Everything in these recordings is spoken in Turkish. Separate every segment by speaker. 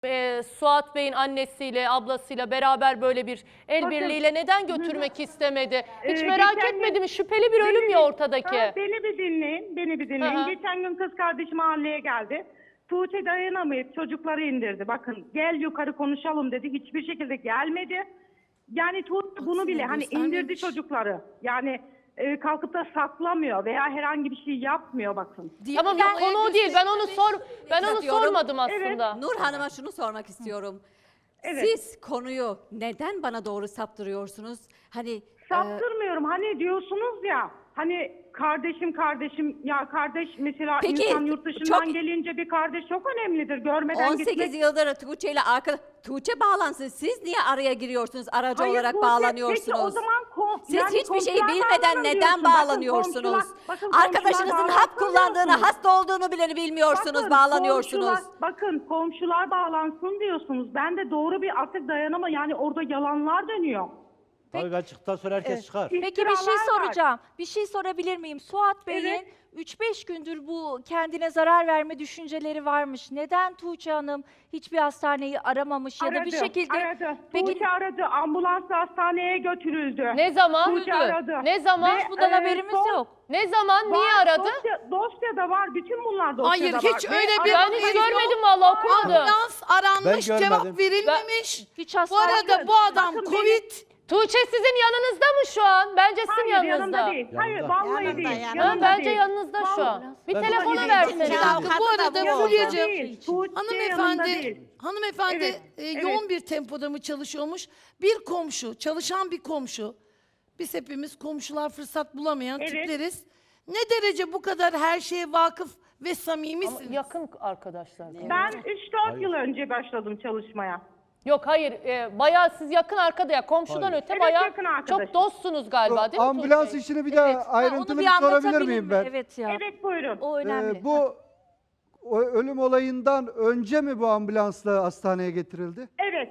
Speaker 1: Suat Bey'in annesiyle, ablasıyla beraber böyle bir el birliğiyle neden götürmek istemedi? Hiç merak etmedi mi? Şüpheli bir ölüm ya ortadaki.
Speaker 2: Beni bir dinleyin, beni bir dinleyin. Geçen gün kız kardeşim mahalleye geldi. Tuğçe dayanamayıp çocukları indirdi. Bakın gel yukarı konuşalım dedi. Hiçbir şekilde gelmedi. Yani Tuğçe bunu bile hani indirdi çocukları. Yani kalkıp da saklamıyor veya herhangi bir şey yapmıyor bakın.
Speaker 1: Tamam yok konu o değil. Ben onu sormadım aslında.
Speaker 3: Nur Hanım'a şunu sormak istiyorum. Siz konuyu neden bana doğru saptırıyorsunuz? Hani
Speaker 2: saptırmıyorum. Hani diyorsunuz ya hani kardeşim ya kardeş mesela
Speaker 3: Peki,
Speaker 2: insan yurt dışından gelince bir kardeş çok önemlidir. Görmeden
Speaker 3: 18
Speaker 2: gitmek.
Speaker 3: yıldır Tuğçe ile Tuğçe bağlansın. Siz niye araya giriyorsunuz? Aracı olarak
Speaker 2: Tuğçe,
Speaker 3: bağlanıyorsunuz.
Speaker 2: peki o zaman
Speaker 3: Siz
Speaker 2: yani
Speaker 3: hiçbir şeyi
Speaker 2: komşular
Speaker 3: bilmeden
Speaker 2: bağlanın
Speaker 3: neden
Speaker 2: diyorsun.
Speaker 3: bağlanıyorsunuz?
Speaker 2: Bakın
Speaker 3: Arkadaşınızın hap kullandığını, hasta olduğunu bile bilmiyorsunuz, bağlanıyorsunuz.
Speaker 2: Bakın komşular bağlansın diyorsunuz. Ben de doğru bir artık dayanama yani orada yalanlar dönüyor.
Speaker 4: Tabii açıktan sonra herkes çıkar.
Speaker 5: Peki bir şey
Speaker 2: İftiralar var.
Speaker 5: soracağım. Bir şey sorabilir miyim? Suat Bey'in 3-5 gündür bu kendine zarar verme düşünceleri varmış. Neden Tuğçe Hanım hiçbir hastaneyi aramamış ya da bir şekilde...
Speaker 2: Aradı.
Speaker 5: Peki
Speaker 2: Tuğçe aradı. Ambulansla hastaneye götürüldü.
Speaker 1: Ne zaman?
Speaker 2: Tuğçe aradı.
Speaker 1: Ne zaman?
Speaker 2: Ve,
Speaker 5: bundan haberimiz yok.
Speaker 1: Ne zaman? Niye aradı?
Speaker 2: Dosyada var. Bütün bunlar dosyada
Speaker 6: Hayır,
Speaker 2: var.
Speaker 6: hiç öyle bir
Speaker 1: Ben hiç görmedim vallahi okumadım.
Speaker 6: ambulans aranmış,
Speaker 4: Ben
Speaker 6: cevap
Speaker 4: görmedim.
Speaker 6: verilmemiş.
Speaker 5: Hiç
Speaker 6: Bu
Speaker 5: hastane...
Speaker 6: arada bu adam
Speaker 2: Bakın
Speaker 6: Covid.
Speaker 1: Tuğçe sizin yanınızda mı şu an? Bence sizin
Speaker 2: Hayır
Speaker 1: yanınızda.
Speaker 2: yanında değil. Hayır
Speaker 4: Yanında.
Speaker 2: vallahi
Speaker 6: Yanında,
Speaker 2: değil.
Speaker 6: yanında.
Speaker 1: Ha, bence yanınızda şu an. Bir telefonu versene.
Speaker 6: Bu arada Fulya'cığım,
Speaker 2: Hanımefendi.
Speaker 6: hanımefendi yoğun bir tempoda mı çalışıyormuş? Bir komşu, çalışan bir komşu. Biz hepimiz komşular fırsat bulamayan tipleriz. Ne derece bu kadar her şeye vakıf ve samimisiniz?
Speaker 1: Yakın arkadaşlar.
Speaker 2: Ben 3-4 yıl önce başladım çalışmaya.
Speaker 1: Yok hayır bayağı siz yakın arkada ya komşudan öte
Speaker 2: Evet,
Speaker 1: bayağı
Speaker 2: yakın arkadaşım.
Speaker 1: çok dostsunuz galiba değil mi
Speaker 7: Ambulans
Speaker 1: Tuğçe?
Speaker 7: işini bir daha
Speaker 5: Onu
Speaker 7: ayrıntılı
Speaker 5: bir
Speaker 7: bir sorabilir
Speaker 5: anlatabilir
Speaker 7: miyim
Speaker 5: mi?
Speaker 7: ben?
Speaker 5: Evet ya.
Speaker 2: Evet buyurun.
Speaker 5: O önemli.
Speaker 7: Bu ölüm olayından önce mi bu ambulansla hastaneye getirildi?
Speaker 2: Evet.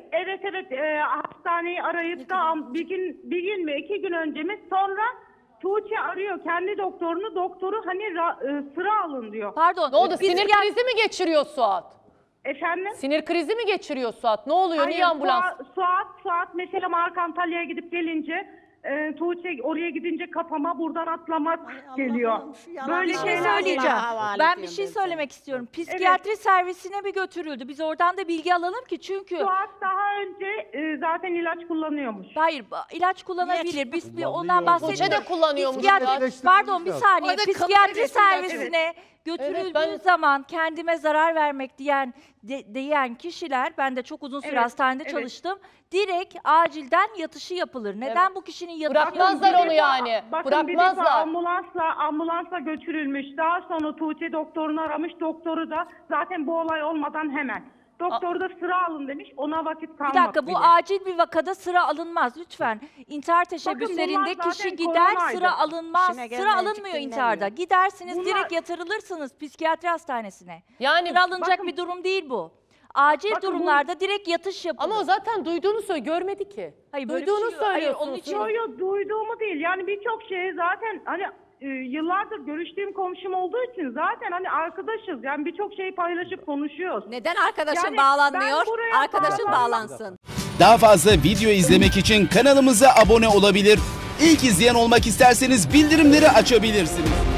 Speaker 2: Hastaneyi arayıp da bir gün mü 2 gün önce mi sonra Tuğçe arıyor kendi doktorunu. Doktoru hani sıra alın diyor.
Speaker 5: Pardon.
Speaker 1: Ne oldu
Speaker 5: biz
Speaker 1: sinir krizi mi geçiriyor Suat?
Speaker 2: Efendim?
Speaker 1: Sinir krizi mi geçiriyor Suat? Ne oluyor? Niye
Speaker 2: Hayır,
Speaker 1: ambulans?
Speaker 2: Suat mesela Mark Antalya'ya gidip gelince Tuğçe oraya gidince kafama buradan atlamak geliyor. Böyle
Speaker 5: Bir şey
Speaker 2: şeyler
Speaker 5: söyleyeceğim.
Speaker 2: var.
Speaker 5: Ben bir şey söylemek istiyorum. Psikiyatri servisine mi götürüldü? Biz oradan da bilgi alalım ki çünkü...
Speaker 2: Suat daha önce zaten ilaç kullanıyormuş.
Speaker 5: Hayır, ilaç kullanabilir. Biz bir ondan
Speaker 4: Kullanıyor.
Speaker 5: bahsetmiyoruz.
Speaker 1: Tuğçe de kullanıyormuş.
Speaker 5: Pardon bir saniye.
Speaker 6: Orada
Speaker 5: Psikiyatri
Speaker 6: kalıp
Speaker 5: servisine götürüldüğü
Speaker 1: Evet, ben-
Speaker 5: zaman kendime zarar vermek diyen kişiler, ben de çok uzun süre hastanede çalıştım. Direkt acilden yatışı yapılır. Neden bu kişinin yatışı
Speaker 1: Bırakmazlar
Speaker 5: yapılır?
Speaker 1: onu yani.
Speaker 2: Bakın bir defa
Speaker 1: Bırakmazlar.
Speaker 2: ambulansla götürülmüş. Daha sonra Tuğçe doktorunu aramış. Doktoru da zaten bu olay olmadan hemen. Doktoru da sıra alın demiş. Ona vakit kalmadı.
Speaker 5: Bir dakika bu
Speaker 2: bile.
Speaker 5: acil bir vakada sıra alınmaz lütfen. İntihar teşebbüslerinde
Speaker 2: bunlar
Speaker 5: kişi
Speaker 2: zaten
Speaker 5: gider
Speaker 2: koronaydı.
Speaker 5: sıra alınmaz.
Speaker 6: İşine
Speaker 5: Sıra
Speaker 6: gelmeyen
Speaker 5: alınmıyor
Speaker 6: çıktı
Speaker 5: intiharda.
Speaker 6: dinlemiyor.
Speaker 5: Gidersiniz
Speaker 2: Bunlar-
Speaker 5: direkt yatırılırsınız psikiyatri hastanesine.
Speaker 1: Yani
Speaker 5: Sıra alınacak
Speaker 2: bakın-
Speaker 5: bir durum değil bu. Acil
Speaker 2: Bakın bu-
Speaker 5: durumlarda direkt yatış yapılır.
Speaker 1: ama o zaten duyduğunu söylüyor. Görmedi ki.
Speaker 5: Hayır, böyle bir
Speaker 1: Duyduğunu
Speaker 5: şey yok. Hayır,
Speaker 1: söylüyorsun.
Speaker 5: onun için-
Speaker 2: Yo, duyduğumu değil. Yani birçok şey zaten hani yıllardır görüştüğüm komşum olduğu için zaten hani arkadaşız. Yani birçok şeyi paylaşıp konuşuyoruz.
Speaker 3: Neden arkadaşın
Speaker 2: Yani
Speaker 3: bağlanmıyor?
Speaker 2: ben buraya
Speaker 3: Arkadaşın
Speaker 2: bağlanmam.
Speaker 3: bağlansın.
Speaker 8: Daha fazla video izlemek için kanalımıza abone olabilir. İlk izleyen olmak isterseniz bildirimleri açabilirsiniz.